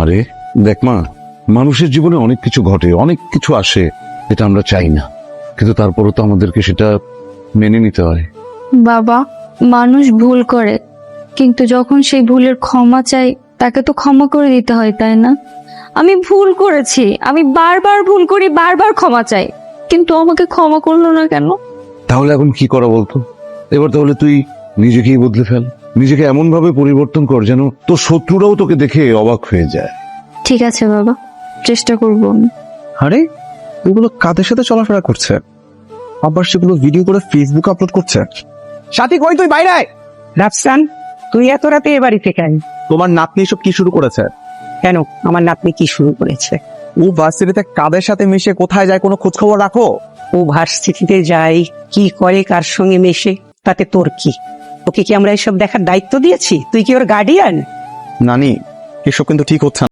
আরে দেখ মা, মানুষের জীবনে অনেক কিছু ঘটে, অনেক কিছু আসে যেটা আমরা চাই না, কিন্তু তারপরও তো আমাদেরকে সেটা মেনে নিতে হয়। বাবা, মানুষ ভুল করে, কিন্তু যখন সেই ভুলের ক্ষমা চাই তাকে তো ক্ষমা করে দিতে হয়, তাই না? আমি ভুল করেছি, আমি বারবার ভুল করি, বারবার ক্ষমা চাই, কিন্তু আমাকে ক্ষমা করলো না কেন? তাহলে এখন কি করা বলতো? এবার তাহলে তুই নিজেকেই বদলে ফেল, নিজেকে এমন ভাবে পরিবর্তন কর যেন তোর শত্রুরাও তোকে দেখে অবাক হয়ে যায়। ঠিক আছে বাবা, চেষ্টা করবো আমি। আরে ওগুলো কাদের সাথে চলাফেরা করছে, আবার সেগুলো ভিডিও করে ফেসবুকে আপলোড করছে। সাথী কই, তুই বাইরে আয়। রাফসান, তুই এত রাতে এ বাড়িতে কেন? তোমার নাতনি সব কি শুরু করেছে? কেন, আমার নাতনি কি শুরু করেছে? ও ভার্সিটিতে কাদের সাথে মিশে কোথায় যায় কোনো খোঁজ খবর রাখো? ও ভার্সিটিতে যায়, কি করে, কার সঙ্গে মেশে, তাতে তোর কি? ওকে কি আমরা এসব দেখার দায়িত্ব দিয়েছি? তুই কি ওর গার্ডিয়ান? নানি, এসব কিন্তু ঠিক হচ্ছে না।